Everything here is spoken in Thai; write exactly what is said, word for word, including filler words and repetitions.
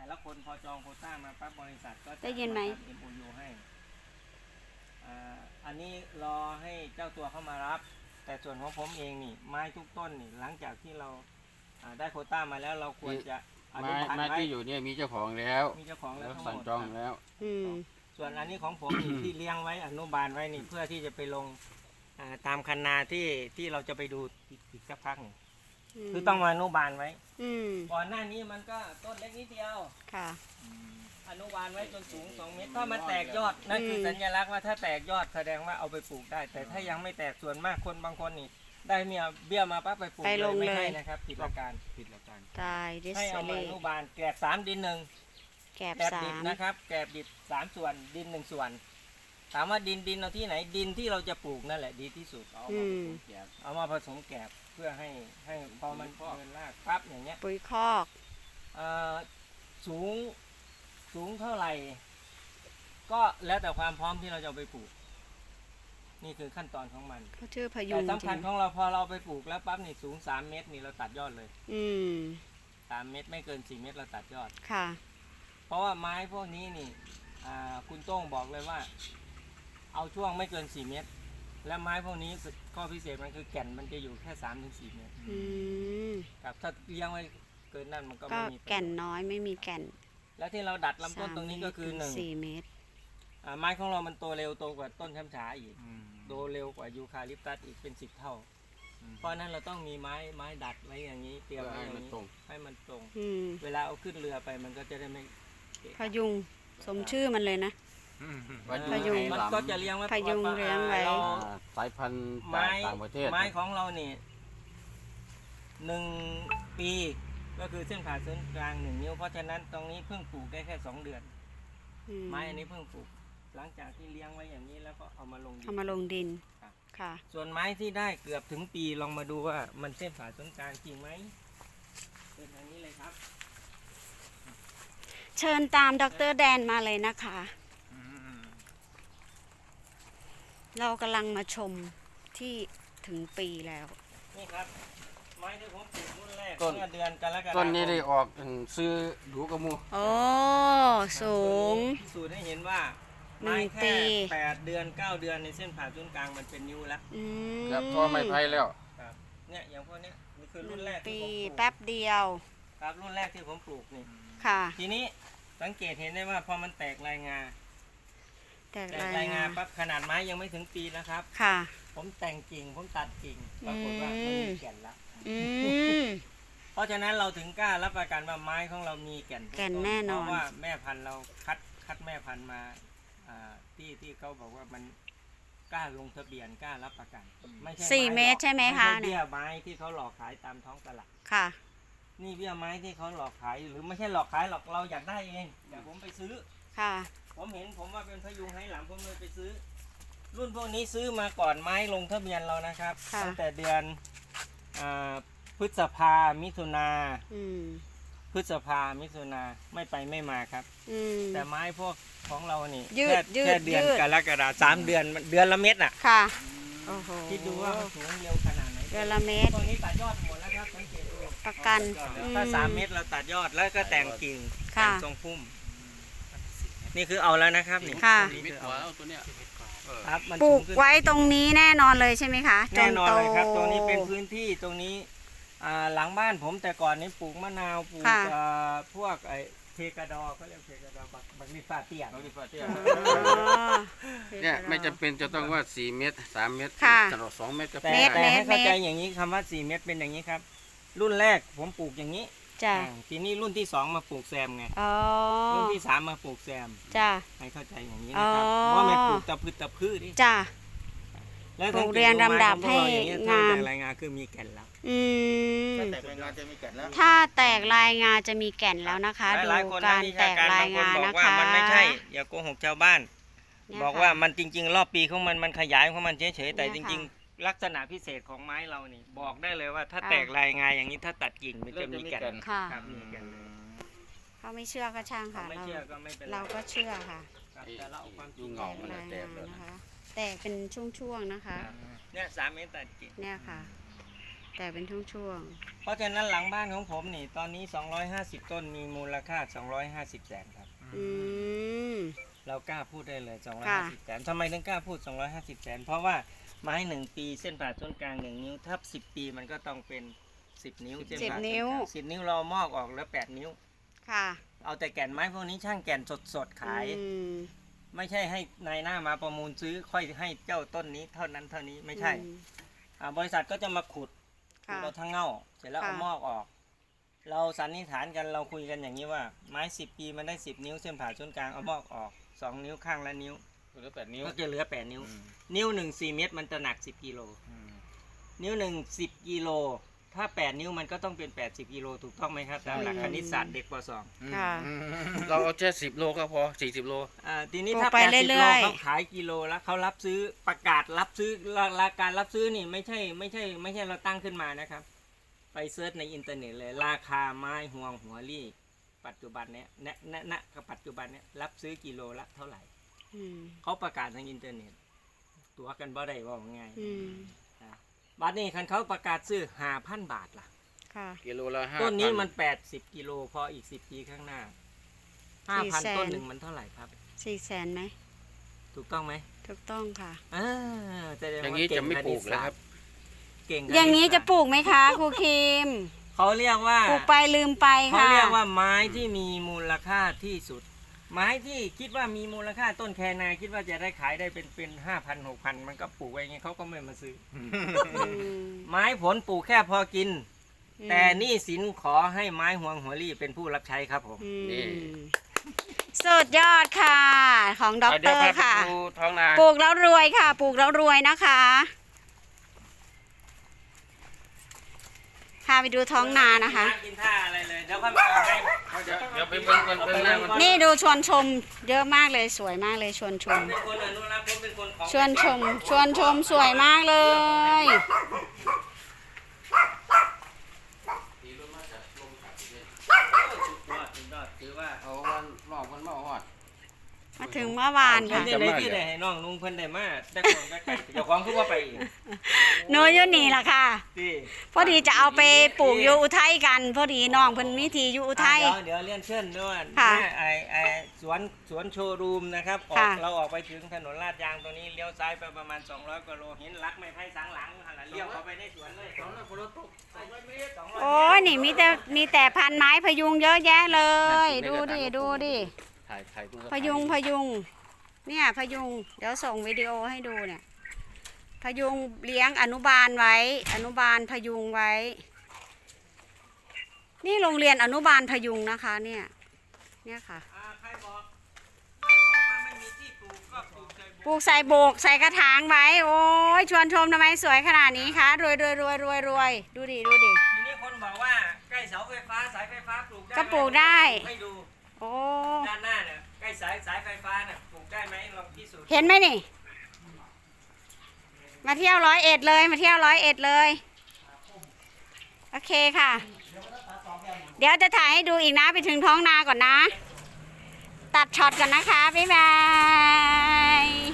ละคนพอจองโควต้ามาปั๊บบริษัทก็จะได้ยินไหมทำ เอ็ม โอ ยู ให้อ่าอันนี้รอให้เจ้าตัวเข้ามารับ แต่ส่วนของผมเองนี่ไม้ทุกต้นนี่หลังจากที่เราอ่าได้โควต้ามาแล้วเราควรจะอนุไม้บาลไม้ไว้ที่อยู่เนี่ยมีเจ้าของแล้วมีเจ้าของแล้วแล้วทั้งหสั่งมดจองแล้วอืมส่วนอันนี้ของผมนี่ ที่เลี้ยงไว้อนุบาลไว้นี่เพื่อที่จะไปลงอ่าตามคันนาที่ที่เราจะไปดูอีกสักพักหนึ่งคือต้องมาอนุบาลไว้อืมก่อนหน้านี้มันก็ต้นเล็กนิดเดียวค่ะอนุบาลไว้จนสูงสองเมตรถ้ามันแตกยอดนั่นคือมสัญลักษณ์ว่าถ้าแตกยอดแสดงว่าเอาไปปลูกได้ แต่ถ้ายังไม่แตกส่วนมากคนบางคนนี่ได้เมียเบี้ยมาปั๊บไปปลูกไปลงไม่เลยให้นะครับผิดหลักการผิดหลักการตายดิสให้เอาเลมาอนุบาลแกลบสามดินหนึ่งแกบแกลบสาดิบมนะครับแกลบดิบสามส่วนดินหนึ่งส่วน ถามว่าดินดินเอาที่ไหนดินที่เราจะปลูกนั่นแหละดีที่สุดเอาอืมาม ผสมแกลบเอามาผสมแกลบเพื่อให้ให้พอมันเดินรากปั๊บอย่างเงี้ยปุ๋ยคอกเอ่อสูงสูงเท่าไหร่ ก็แล้วแต่ความพร้อมที่เราจะเอาไปปลูก นี่คือขั้นตอนของมันเขาชื่อพยุแต่งจสำคัริญงของเราพอเราไปปลูกแล้วปั๊บนี่สูงสามเมตรนี่เราตัดยอดเลยอืมสามเมตรไม่เกินสี่เมตรเราตัดยอดค่ะเพราะว่าไม้พวกนี้นี่อ่าคุณโต้งบอกเลยว่า เอาช่วงไม่เกินสี่เมตร และไม้พวกนี้ข้อพิเศษมันคือแก่นมันจะอยู่แค่สามถึงสี่เมตรอืมครับถ้าเลี้ยงไว้เกินนั่นมันก็ก็ไม่มีประโยชน์แก่นน้อยไม่มีแก่นและที่เราดัดลำต้นตรงนี้ก็คือหนึ่งสี่เมตรอ่าไม้ของเรามันโตเร็วโตกว่าต้นช้ำฉาอีกโตเร็วกว่ายูคาลิปตัสอีกเป็นสิบเท่า เพราะฉะนั้นเราต้องมีไม้ไม้ดัดไว้อย่างนี้เตรียมเพื่อไว้ให้อย่างมันนี้ตรงให้มันตรงอืมเวลาเอาขึ้นเรือไปมันก็จะได้ไม่เกะพยุงสมชื่อมันเลยนะ พยุงมันก็จะเลี้ยงไว้พยุงเลี้ยงไว้เราอ่าสายพันธุ์ไม้ต่างประเทศไม้ของเรานี่หนึ่งปีก็คือเส้นผ่าศูนย์กลางหนึ่งนิ้วเพราะฉะนั้นตรงนี้เพิ่งปลูกได้แค่สองเดือนอืมไม้อันนี้เพิ่งปลูก หลังจากที่เลี้ยงไว้อย่างนี้แล้วก็เอามาลงดินเอามาลงดินครับค่ะส่วนไม้ที่ได้เกือบถึงปีลองมาดูว่ามันเส้นผ่าศูนย์กลางจริงไหมเป็นทางนี้เลยครับเชิญตามดรแดนมาเลยนะคะ เรากำลังมาชมที่ถึงปีแล้วนี่ครับ ไม้ที่ผมปลูกรุ่นแรกต้นเมื่อเดือนกรกฎาคมต้นนี้ได้ออกซื้อดูกระมูโอ้ สูงสูตรให้เห็นว่าหนึ่ไม้งปีแค่แปดเดือนเก้าเดือนในเส้นผ่าศูนย์กลางมันเป็นนิ้วแล้วอืมครับท่อไม้ไผ่แล้วครับเนี่ยอย่างพวกเนี้ยนี่คือหรุ่นนึ่งแรกที่ปีผมปลูกแป๊บเดียวครับรุ่นแรกที่ผมปลูกนี่ค่ะทีนี้สังเกตเห็นได้ว่าพอมันแตกลายงาแต่แตกลายงาปั๊บขนาดไม้ยังไม่ถึงปีนะครับค่ะผมแต่งกิ่งผมตัดกิ่งปรากฏว่ามันมีแก่นละอืมเพราะฉะนั้นเราถึงกล้ารับประกันว่าไม้ของเรามีแก่นทุแก่นต้แน่นอนเพราะว่าแม่พันธุ์เราคัดคัดแม่พันธุ์มาอ่าที่ที่เขาบอกว่ามันกล้าลงทะเบียนกล้ารับประกันไม่ใช่สี่ไหลอกเมตรใช่ไหมคะไม่ใช่เนี่เบี้ยยไม้ที่เขาหลอกขายตามท้องตลาดค่ะนี่เบี้ยไม้ที่เขาหลอกขายหรือไม่ใช่หลอกขายหรอกเราอยากได้เองแต่ผมไปซื้อค่ะผมเห็นผมว่าเป็นพยุงให้หลังผมเลยไปซื้อ รุ่นพวกนี้ซื้อมาก่อนไม้ลงทะเบียนเรานะครับค่ะตั้งแต่เดือนอาพฤษภามิถุนาอืมพฤษภามิถุนาไม่ไปไม่มาครับอืมแต่ไม้พวกของเรานี่ยืดแค่ยืดแค่เดือนยืดกรกฎาคมสามเดือนมันเดือนละเม็ดน่ะค่ะ โอ้โหคิดดูว่ามันสูงเร็วขนาดไหนเดือนละเมตรตรงนี้ตัดยอดหมดแล้วครับสังเกตดูประกันถ้าอืมสามเม็ดเราตัดยอดแล้วก็แต่งกิ่งค่ะแต่งทรงพุ่ม นี่คือเอาแล้วนะครับนี่ค่ะนี่มิดคือหัเอาวตัวเนี้ยเออครับมันปลูสูกงขึ้นไว้ตรงนี้แน่นอนเลยใช่ไหมคะจแน่นอนโตเลยครับ ตรงนี้เป็นพื้นที่ตรงนี้อ่าหลังบ้านผมแต่ก่อนนี้ปลูกมะนาวปลูกค่ะอ่าพวกไอ้เพกาดอเขาเรียกเพกาดอบักบักนิฟาเตียนเราดีฟ้าเตี้ยอ๋อเนี่ยไม่จำเป็นจะต้องว่าสี่เมตรสามเมตรค่ะตลอดสองเมตรก็แต่พอเมตรแต่ให้เข้าใจเมตรอย่างนี้คำว่าสี่เม็ดเป็นอย่างนี้ครับ รุ่นแรกผมปลูกอย่างนี้จ้ะอ่าทีนี้รุ่นที่สองมาปลูกแซมไงอ๋อรุ่นที่สามมาปลูกแซมจ้ะให้เข้าใจอย่างนี้นะครับอ๋อเพราะไม่ปลูกตะพืชตะพืชดิจ้ะแล้วปลูกเรียงลำดับให้งามแต่รายงานคือมีแก่นแล้วอืมแต่เป็นงานจะมีแก่นแล้วถ้าแตกลายงาจะมีแก่นแล้วนะคะ ดูหลายๆคนการนัวิแตชกลายบงาบนะอกว่าคะมันไม่ใช่ อย่าโกหกชาวบ้านเนี่ยบอกค่ะว่ามันจริง ๆ รอบปีของมันมันขยายของมันเฉยๆแต่เนี่ยจค่ะริง ๆ ลักษณะพิเศษของไม้เรานี่ บอกได้เลยว่าถ้าค่ะแตกลายงาอย่างนี้ถ้าตัดกิ่งมันจะมีแก่นค่ะครับมีแก่นเลยเขาไม่เชื่อก็ช่างค่ะไม่เราเชื่อก็ไม่เป็นไรเราก็เชื่อค่ะครับแต่เราเอาความจริงเงา มันแตกลายแตงากแล้วนะคะ แตกเป็นช่วงๆนะคะเนี่ยสามเมตรตัดกิ่งเนี่ยค่ะแต่เป็นช่วงเพราะฉะนั้นหลังบ้านของผมนี่ตอนนี้สองร้อยห้าสิบต้นมีมูลค่าสองร้อยห้าสิบแสนครับๆอืมเรากล้าพูดได้เลยสองร้อยค่ะห้าสิบแสนทำไมถึงกล้าพูดสองร้อยห้าสิบแสนเพราะว่าไม้หนึ่งปีเส้นผ่าศูนย์กลางหนึ่งนิ้วถ้าสิบปีมันก็ต้องเป็นสิบนิ้วเส้นสิบผ่าศูนย์นิ้วกลางสิบนิ้วเรามอกออกแล้วแปดนิ้วค่ะเอาแต่แก่นไม้พวกนี้ช่างแก่นสดๆขายอืมไม่ใช่ให้นายหน้ามาประมูลซื้อค่อยให้เจ้าต้นนี้เท่านั้นเท่านี้ไม่ใช่อืมอ่าบริษัทก็จะมาขุดขุดค่ะเราทั้งเง่าเสร็จแล้วค่ะเอามอกออก เราสันนิษฐานกันเราคุยกันอย่างนี้ว่าไม้สิบปีมันได้สิบนิ้วเส้นผ่าศูนย์กลางเอามอกออกสองนิ้วข้างละนิ้วเหลือแปดนิ้วก็จะเหลือแปดนิ้วอืมนิ้วหนึ่งสี่เมตรมันจะหนักสิบกิโลอืมนิ้วหนึ่งสิบกิโลถ้าแปดนิ้วมันก็ต้องเป็นแปดสิบกิโลถูกต้องไหมครับตามหลักคณิตศาสตร์เด็กปสองค่ะอืมเราเอาแค่สิบโลก็พอสี่สิบโลอ่าทีนี้ปลูกถ้าไปแปดสิบเรื่โลอยๆเขาขายกิโลแล้วเขารับซื้อประกาศรับซื้อราราการรับซื้อนี่ไม่ใช่ไม่ใช่ไม่ใช่เราตั้งขึ้นมานะครับ ไปเซิร์ชในอินเทอร์เน็ตเลย ราคาไม้ห่วงหัวรี่ ปัจจุบันเนี้ยณณณกับปัจจุบันเนี้ยรับซื้อกิโลละเท่าไหร่อืมเขาประกาศทางอินเทอร์เน็ต ตัวกันบ่ได้ว่าง่ายอืมบัดนี้คันเขาประกาศซื้อห้าพันบาทล่ะค่ะกิโลละห้าต้นนี้มันแปดสิบกิโลพออีกสิบปีข้างหน้าห้าพันสี่แสนต้นหนึ่งมันเท่าไหร่ครับสี่แสนไหมถูกต้องไหมถูกต้องค่ะอ่าแสดงอย่างว่านี้เก่จะไม่ปลูกคแล้วณิตศาสตครับเก่งคณิตอย่างนี้จะศาสตร์ปลูกไหมคะครูคิมเขาเรียกว่าปลูกไปลืมไปเขาค่ะเรียกว่าไม้ที่มีมูลค่าที่สุด ไม้ที่คิดว่ามีมูลค่าต้นแคนาคิดว่าจะได้ขายได้เป็นเป็นห้าพันหกพันมันก็ปลูกไว้อย่างงี้เขาก็ไม่มาซื้ออืมไม้ผลปลูกแค่พอกินอืมแต่หนี่สินขอให้ไม้ห่วงหัวรี่เป็นผู้รับใช้ครับผมอืมนี่สุดยอดค่ะ ของด็อกเอาเตเดี๋อยวพาร์ไปค่ะดูท้องนาปลูกแล้วรวยค่ะ ปลูกแล้วรวยนะคะพาไปดูท้องนานะคะกินท่าอะไรเลยเดี๋ยวค่อยมาเอาให้เดี๋ยวเดี๋ยวไปเบิ่งกันเบิ่งหน้ามันนี่ดูชวนชม เยอะมากเลยสวยมากเลยชวนชผม มเป็นคนอนุรักษ์ผมเป็นคนของชวนชม ชวนชมสวยมากเลยสุดยอดสุดยอดถือว่าเอาวันรอบวันมาหอดมาถึงเมื่อวานผมค่ะจะได้ที่ได้ให้น้องลุงเพิ่นได้มาแต่คนก็ไก่เจ้าของคือว่าไปอีกโนอยุนี่ล่ะค่ะที่พอดีจะเอาไปปลูกอยู่อุทัยกัน พอดีน้องเพิ่นมีทีอยู่อุทัยอ่ะเดี๋ยวเดี๋ยวเรียนเชิญด้วยค่ะแม่ไอไอสวนสวนโชว์รูมนะครับออกค่ะเราออกไปถึงถนนลาดยางตรงนี้เลี้ยวซ้ายไปประมาณสองร้อยกว่าโลเห็นลักไม้ไผ่สังหลังหันหลังเลี้ยวเข้าไปในสวนเลยสองร้อยกว่าโลตกสองร้อยเมตรสองร้อยโอ้ยนี่มีแต่มีแต่พันไม้พยุงเยอะแยะเลย ดูดิดูดิถ่ายถ่ายดูพยุงพยุง เนี่ยพยุง เดี๋ยวส่งวิดีโอให้ดูเนี่ย พยุงเลี้ยงอนุบาลไว้ อนุบาลพยุงไว้ นี่โรงเรียนอนุบาลพยุงนะคะ เนี่ย เนี่ยค่ะอ่าใครบอกใครบอกว่าไม่มีที่ปลูกก็ปลูกใจปลูกใส่โบกใส่กระถางไว้ โอ้ยชวนชมทำไมสวยขนาดนี้คะรวยรวยรวยรวยรวยดูดิดูดิทีนี้คนบอกว่าใกล้เสาไฟฟ้าสายไฟฟ้าปลูกได้ก็ปลูกได้ให้ดูโอ้ด้านหน้าเนี่ยใกล้สายสายไฟฟ้าเนี่ยปลูกได้ไหมลองพิสูจน์เห็นไหมนี่ มาเที่ยวร้อยเอ็ดเลย มาเที่ยวร้อยเอ็ดเลย โอเคค่ะ เดี๋ยวจะถ่ายให้ดูอีกนะไปถึงท้องนาก่อนนะ ตัดช็อตก่อนนะคะ บ๊ายบาย